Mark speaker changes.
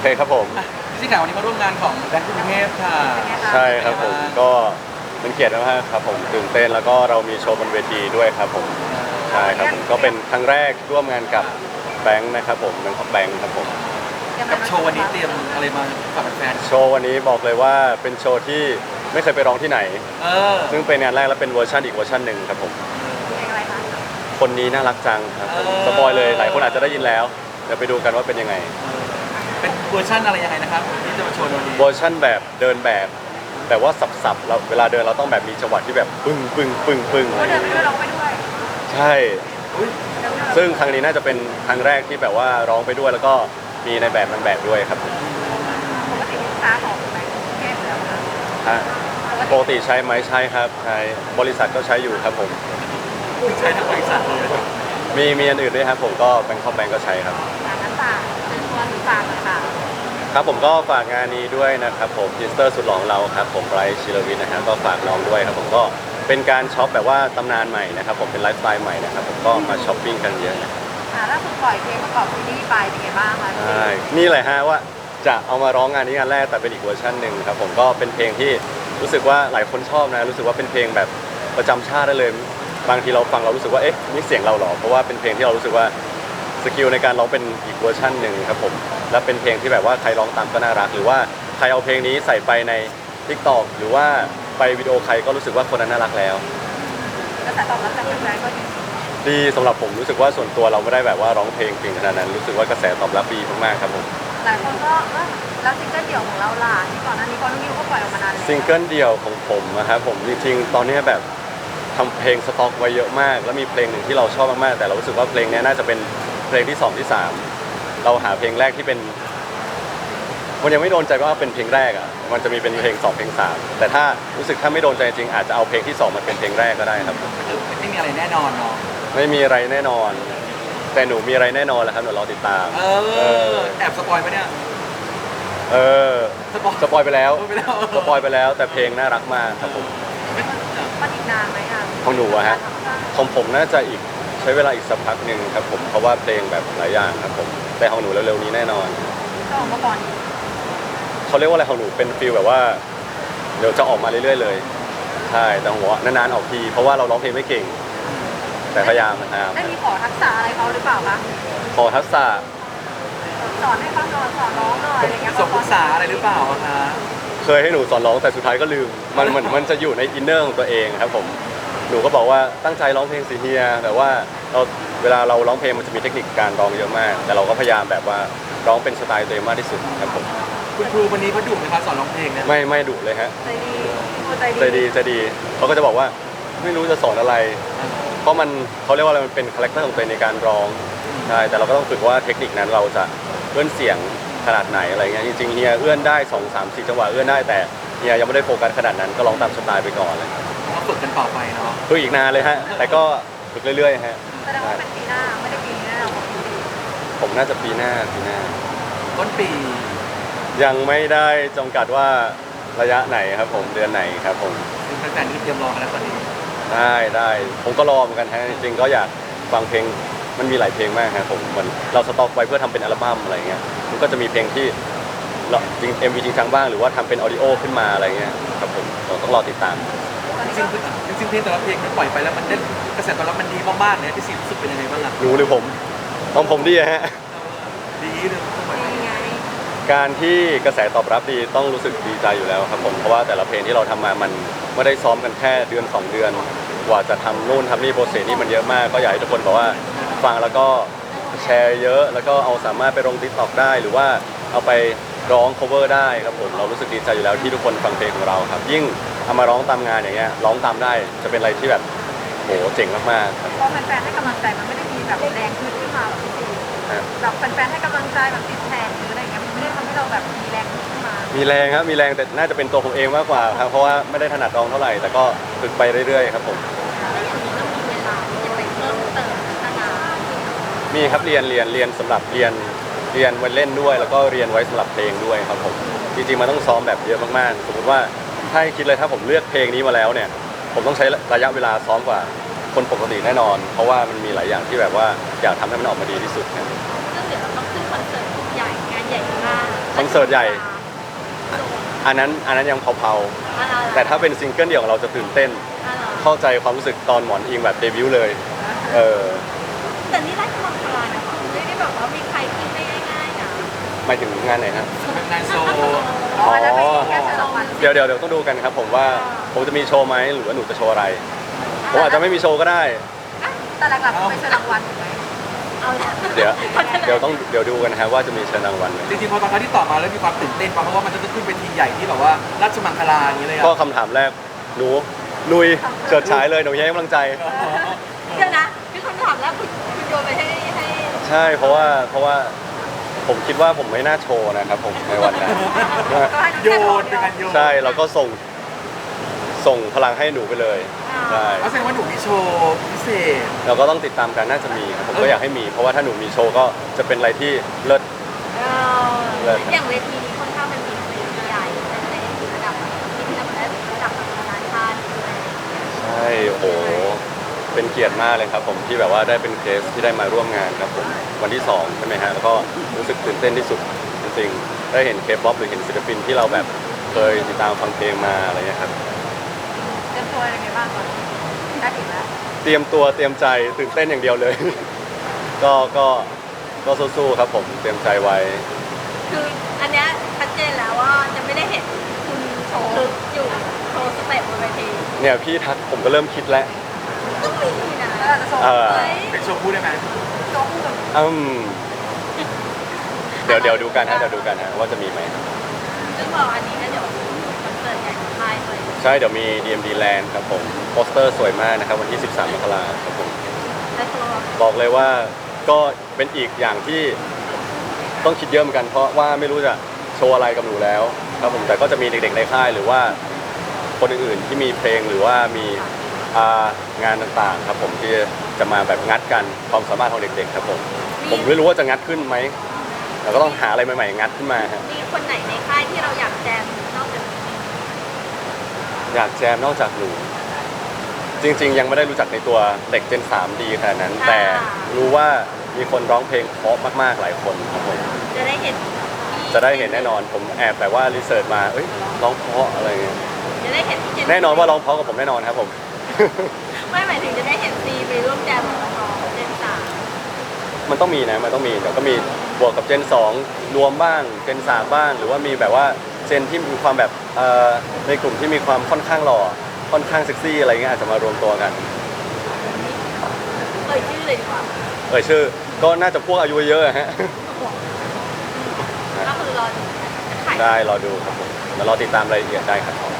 Speaker 1: เคครับผม
Speaker 2: พี่ข่าววันนี้มาร่วมงานของแบงก์กรุงเทพค่ะ
Speaker 1: ใช่ครับผมก็เป็นเกียรติมากครับผมตื่นเต้นแล้วก็เรามีโชว์บนเวทีด้วยครับผมใช่ครับผมก็เป็นครั้งแรกร่วมงานกับแบงค์นะครับผมแบงค์ครับผม
Speaker 2: กับโชว์วันนี้เตรียมอะไรมาฝากแฟน
Speaker 1: โชว์วันนี้บอกเลยว่าเป็นโชว์ที่ไม่เคยไปร้องที่ไหนซึ่งเป็นงานแรกและเป็นเวอร์ชันอีกเวอร์ชันหนึ่งครับผมคนนี้น่ารักจังครับผมสปอยเลยหลายคนอาจจะได้ยินแล้วเดี๋ยวไปดูกันว่าเป็นยังไง
Speaker 2: เป็นเวอร์ชันอะไรยังไงนะครับที่จะมาโชว์วันนี้
Speaker 1: เวอร์ชันแบบเดินแบบแต่ว่าสับเราเวลาเดินเราต้องแบบมีจังหวะที่แบบปึ้งปึ้งปึ้งปึ้งอะไร
Speaker 3: เดินไปด้วยร้องไปด้วย
Speaker 1: ใช่ซึ่งครั้งนี้น่าจะเป็นครั้งแรกที่แบบว่าร้องไปด้วยแล้วก็มีในแบบนางแบบด้วยครับ
Speaker 3: ปกติลูกค้าของแบงก์กรุงเทพแล้ว
Speaker 1: ฮะปกติใช้ไหมใช่ครับใช้บริษัทก็ใช้อยู่ครับผม
Speaker 2: ใช้ทั้งบริษัทเลย
Speaker 1: มีอันอื่นด้วยครับผมก็แบงค์แบงก์ก็ใช้ครับ
Speaker 3: งั้นฝากเป็นตัวหรือฝากเลยค่ะ
Speaker 1: ครับผมก็ฝากงานนี้ด้วยนะครับผมทิสเตอร์สุดหล่อของเราครับผมไบรท์ชิลวินนะครับก็ฝากน้องด้วยครับผมก็เป็นการช็อปแบบว่าตำนานใหม่นะครับผมเป็นไลฟ์สไตล์ใหม่นะครับผมก็มาช้อปปิ้งกันเยอะนะครับ
Speaker 3: ล่าสุดปล่อยเพลงประกอบซีรีส์ไปเป็นไงบ้างคะ
Speaker 1: ใช่นี่แหละฮะว่าจะเอามาร้องงานนี้งานแรกแต่เป็นอีกเวอร์ชันหนึ่งครับผมก็เป็นเพลงที่รู้สึกว่าหลายคนชอบนะรู้สึกว่าเป็นเพลงแบบประจำชาติได้เลยบางทีเราฟังเรารู้สึกว่าเอ๊ะนี่เสียงเราหรอเพราะว่าเป็นเพลงที่เรารู้สึกว่าสกิลในการร้องเป็นอีกเวอร์ชันหนึ่งครับผมและเป็นเพลงที่แบบว่าใครร้องตามก็น่ารักหรือว่าใครเอาเพลงนี้ใส่ไปใน TikTok หรือว่าไปวิดีโอใครก็รู้สึกว่าคนนั้นน่ารักแล้ว
Speaker 3: กระแสตอบรับจากแฟนๆก็
Speaker 1: ดีสำหรับผมรู้สึกว่าส่วนตัวเราไม่ได้แบบว่าร้องเพลงเก่งขนาดนั้นรู้สึกว่ากระแสตอบรับดีมากๆครับผม
Speaker 3: หลายคนก็แล้วซิงเกิลเดี่ยวของเราล่ะที่ก่อนหน้านี้ก็น้องนิวก็ปล่อยออกมานานแล้ว
Speaker 1: ซิงเกิลเดี่ยวของผมนะครับผมจริงๆตอนนี้แบบทำเพลงสต็อกไว้เยอะมากแล้วมีเพลงหนึ่งที่เราชอบมากๆแต่เรารู้สึกว่าเพลงนี้น่าจะเป็นเพลงที่2ที่3เราหาเพลงแรกที่เป็นมันยังไม่โดนใจว่าเป็นเพลงแรกอ่ะมันจะมีเป็นเพลง2เพลง3แต่ถ้ารู้สึกถ้าไม่โดนใจจริงอาจจะเอาเพลงที่2มาเป็นเพลงแรกก็ได้ครับ
Speaker 2: ไม่มีอะไรแน่นอนเนาะ
Speaker 1: ไม่มีอะไรแน่นอนแต่หนูมีอะไรแน่นอนแหละครับหนูรอติดตาม
Speaker 2: แอบสปอยไหมเนี่ย
Speaker 1: สปอยไปแล้วสปอยไปแล้วแต่เพลงน่ารักมากครับผม
Speaker 3: มันอีกนานไหมอ่ะ
Speaker 1: ของหนูอะฮะของผมน่าจะอีกใช้เวลาอีกสักพักหนึ่งครับผมเพราะว่าเพลงแบบหลายอย่างครับผมแต่ของหนูเร็วๆนี้แน่นอน
Speaker 3: ก็ออกมาก่อน
Speaker 1: เขาเรียกว่าอะไรของหนูเป็นฟีลแบบว่าเดี๋ยวจะออกมาเรื่อยๆเลยใช่แต่หัวนานๆออกทีเพราะว่าเราร้องเพลงไม่เก่งแต่พยายามนะครับ
Speaker 3: ได้มีขอทักษะอะไรเขาหรือเปล่าคะ
Speaker 1: ขอทักษะ
Speaker 3: สอนให้ฟังหน่อยสอนร้องหน่อยอะไรเงี้ย
Speaker 2: สอนภาษาอะไรหรือเปล่าคะ
Speaker 1: เคยให้หนูสอนร้องแต่สุดท้ายก็ลืมมันเหมือนมันจะอยู่ในอินเนอร์ของตัวเองครับผมหนูก็บอกว่าตั้งใจร้องเพลงสิเฮียแต่ว่าเวลาเราร้องเพลงมันจะมีเทคนิคการร้องเยอะมากแต่เราก็พยายามแบบว่าร้องเป็นสไตล์ตัวเองมากที่สุดครับผม
Speaker 2: คุณครูวันนี้เขาดุไหมคะสอนร้องเพลงเนี่ย
Speaker 1: ไม่ดุเลยฮะ
Speaker 3: ใจ
Speaker 1: ดีเขาก็จะบอกว่าไม่รู้จะสอนอะไรเพราะมันเขาเรียกว่าอะไรมันเป็นคาแรคเตอร์ของตัวเองในการร้องใช่แต่เราก็ต้องฝึกว่าเทคนิคนั้นเราจะเอื้อนเสียงขนาดไหนอะไรเงี้ยจริงๆเฮียเอื้อนได้2 3 4จังหวะเอื้อนได้แต่เฮียยังไม่ได้โฟกัสขนาดนั้นก็ร้องตามสไตล์ไปก่อนเลย
Speaker 2: ต้องฝึกกันต่อไปเนาะ
Speaker 1: ฝึกอีกนานเลยฮะแต่ก็ฝึกเรื่อยๆฮะ
Speaker 3: แสดงว่าเป็นปีหน้าไม่ได้ปีนี้แน่นอน
Speaker 1: ผมน่าจะปีหน้า
Speaker 2: ต้นปี
Speaker 1: ยังไม่ได้จำกัดว่าระยะไหนครับผมเดือนไหนครับผม
Speaker 2: แฟนๆนี่เตรียมรอกันแล้วตอนนี้
Speaker 1: ได้ผมก็รอเหมือนกันฮะจริงๆก็อยากฟังเพลงมันมีหลายเพลงมากครับผมมันเราสต็อกไว้เพื่อทำเป็นอัลบั้มอะไรเงี้ยมันก็จะมีเพลงที่จริง MV จริงจังบ้างหรือว่าทำเป็นออดิโอขึ้นมาอะไรเงี้ยครับผมเราต้องรอติดตาม
Speaker 2: จริงเพลงแต่ละเพลงที่ปล่อยไปแล้วมันได้กระแสตอบรับมันดีมากๆเนี่ยพี่ซีรู้สึกเป็นยังไงบ้างล่ะ
Speaker 1: รู้หรือผมของผมดีฮะ
Speaker 2: ดีเลย
Speaker 1: การที่กระแสตอบรับดีต้องรู้สึกดีใจอยู่แล้วครับผมเพราะว่าแต่ละเพลงที่เราทำมามันไม่ได้ซ้อมกันแค่เดือน2 เดือนกว่าจะทำนู่นทำนี่โปรเซสนี่มันเยอะมากก็อยากให้ทุกคนบอกว่าฟังแล้วก็แชร์เยอะแล้วก็เอาสามารถไปลง TikTok ได้หรือว่าเอาไปร้อง cover ได้ครับผมเรารู้สึกดีใจอยู่แล้วที่ทุกคนฟังเพลงของเราครับยิ่งเอามาร้องตามงานอย่างเงี้ยร้องตามได้จะเป็นอะไรที่แบบโหเจ๋งมากๆครับ
Speaker 3: พอแฟนๆให้กำลังใจมันไม่ได้มีแบบแรงขึ้นมาแบบนี้แบบแฟนๆให้กำลังใจแบบติดแทนหรืออะไรเงี้ยมันไม่ได้ทำให้เราแบบมีแรงขึ้นมา
Speaker 1: มีแรงครับมีแรงแต่น่าจะเป็นตัวผมเองมากกว่าครับเพราะว่าไม่ได้ถนัดร้องเท่าไหร่แต่ก็ฝึกไปเรื่อยๆครับผมมีครับเรียนสำหรับเรียนไว้เล่นด้วยแล้วก็เรียนไว้สำหรับเพลงด้วยครับผมจริงๆมันต้องซ้อมแบบเยอะมากๆสมมติว่าถ้าคิดเลยถ้าผมเลือกเพลงนี้มาแล้วเนี่ยผมต้องใช้ระยะเวลาซ้อมกว่าคนปกติแน่นอนเพราะว่ามันมีหลายอย่างที่แบบว่าอยากทำให้มันออกมาดีที่สุดครับ
Speaker 3: ซึ่งเดี๋ยวเราต้องขึ้นคอนเสิร์ตใหญ่งานใหญ่มาก
Speaker 1: คอนเสิร์ตใหญ่อันนั้นยังเผาๆแต่ถ้าเป็นซิงเกิลเดี่ยวของเราจะตื่นเต้นเข้าใจความรู้สึกตอนหมอนอิงแบบเดบิวต์เลยเออ
Speaker 3: แต่นี่ได้กำลังใจนะไม่ได้แบบว่ามีใครกินได้ง่ายๆนะ
Speaker 1: หมายถึงงานไหนฮะ
Speaker 2: งานโซ
Speaker 1: อ๋อ
Speaker 3: แล้วเป็นแค่เชิญรางวัล
Speaker 1: เดี๋ยวต้องดูกันครับผมว่าผมจะมีโชว์ไหมหรือว่าหนูจะโชว์อะไรผมอาจจะไม่มีโชว์ก็ได้
Speaker 3: แต่หลักๆไม่เชิญรางวัลถูกไหมเอาละ
Speaker 1: เดี๋ยวดูกันนะครับว่าจะมีเชิญรางวัลไหม
Speaker 2: จริงๆพอตอนที่ตอบมาแล้วมีความตื่นเต้นเพราะว่ามันจะขึ้นเป็นทีใหญ่ที่แบบว่าราชมังคลาอย่างนี้เลย
Speaker 1: ก็คำถามแรกหนูลุยเฉิดฉายเลยหนูให้กำลังใจ
Speaker 3: เดี๋ยวนะพี่คำถามแล้วคุณโยนไปให้
Speaker 1: ใช่เพราะว่าผมคิดว่าผมไม่น่าโชว์นะครับผมในวันนั้น
Speaker 2: โยนเป็นการโยน
Speaker 1: ใช่เราก็ส่งพลังให้หนูไปเลยใช่
Speaker 2: แสดงว่าหนูมีโชว์พิเศษ
Speaker 1: เราก็ต้องติดตามกันน่าจะมีครับผมก็อยากให้มีเพราะว่าถ้าหนูมีโชว์ก็จะเป็นอะไรที่เลิศ
Speaker 3: อย่างเวทีนี้ค่อนข้างเป็นเวทีใหญ่ในระดับที่ระดับนานาชาติด้วย
Speaker 1: ใช่โอ้โหเป็นเกียรติมากเลยครับผมที่แบบว่าได้เป็นเคสที่ได้มาร่วมงานครับผมวันที่2ใช่ไหมฮะแล้วก็รู้สึกตื่นเต้นที่สุดจริงๆได้เห็นเคป๊อปหรือเห็นศิลปินที่เราแบบเคยติดตามฟังเพลงมาอะไรเงี้ยครับ
Speaker 3: เตรียมตัวยังไงบ้างตอนนี้ได้ถึงแล้ว
Speaker 1: เตรียมตัวเตรียมใจตื่นเต้นอย่างเดียวเลย ก็สู้ๆครับผมเตรียมใจไว้
Speaker 3: คืออันเนี้ยชัดเจนแล้วว่าจะไม่ได้เห็นคุณโชว์อยู่โชว์สเต็ปบนเวที
Speaker 1: เนี่ยพี่ทักผมก็เริ่มคิดแล้ว
Speaker 3: ต้องมีนะโชว์
Speaker 2: เป็นโชว์พูดได้ไหม
Speaker 3: โชว์คู่กับ
Speaker 1: เดี๋ยวดูกันฮะว่าจะมีไหมครับ
Speaker 3: ซึ่งบอกอันนี้ก็เดี๋ยวคอนเสิร์ตใหญ่ของค่ายเลย
Speaker 1: ใช่เดี๋ยวมี DMD Land ครับผมโปสเตอร์สวยมากนะครับวันที่ 13 มกราคมครับผม
Speaker 3: และตัว
Speaker 1: บอกเลยว่าก็เป็นอีกอย่างที่ต้องคิดเยอะเหมือนกันเพราะว่าไม่รู้จะโชว์อะไรกับหนูแล้วครับผมแต่ก็จะมีเด็กๆในค่ายหรือว่าคนอื่นๆที่มีเพลงหรือว่ามีงานต่างๆครับผมที่จะมาแบบงัดกันความสามารถของเด็กๆครับผมไม่รู้ว่าจะงัดขึ้นไหมเราก็ต้องหาอะไรใหม่ๆงัดขึ้นมาฮะ
Speaker 3: มีคนไหนในค่ายที่เราอยากแจมนอกจากนี้
Speaker 1: อยากแจมนอกจากหนูจริงๆ ยังไม่ได้รู้จักในตัวเด็กเจน3ดีขนาดนั้น แต่รู้ว่ามีคนร้องเพลงเพราะมากๆหลายคนครับผม
Speaker 3: จะได้เห็น
Speaker 1: จะได้เห็นแน่นอนผมแอบแต่ว่ารีเสิร์ชมาร้องเพราะอะไรเงี้ย
Speaker 3: จะได้เห็นพี่เจน
Speaker 1: แน่นอนว่าร้องเพราะกับผมแน่นอนครับผม
Speaker 3: ไม่หมายถึงจะได้เห็นซีไปร่วมแจมกับน้องๆเจนสาม
Speaker 1: มันต้องมีนะมันต้องมีเดี๋ยวก็มีบวกกับเจน2รวมบ้างเจน3บ้างหรือว่ามีแบบว่าเจนที่มีความแบบในกลุ่มที่มีความค่อนข้างหล่อค่อนข้างเซ็กซี่อะไรเงี้ยอาจจะมารวมตัวกัน
Speaker 3: ชื่อเลยดีกว่า
Speaker 1: ชื่อก็น่าจะพวกอายุเยอะอะฮะ
Speaker 3: ก็คือรอดูขาย
Speaker 1: ได้รอดูครับผมแล้วรอติดตามรายละเอียดได้ครับ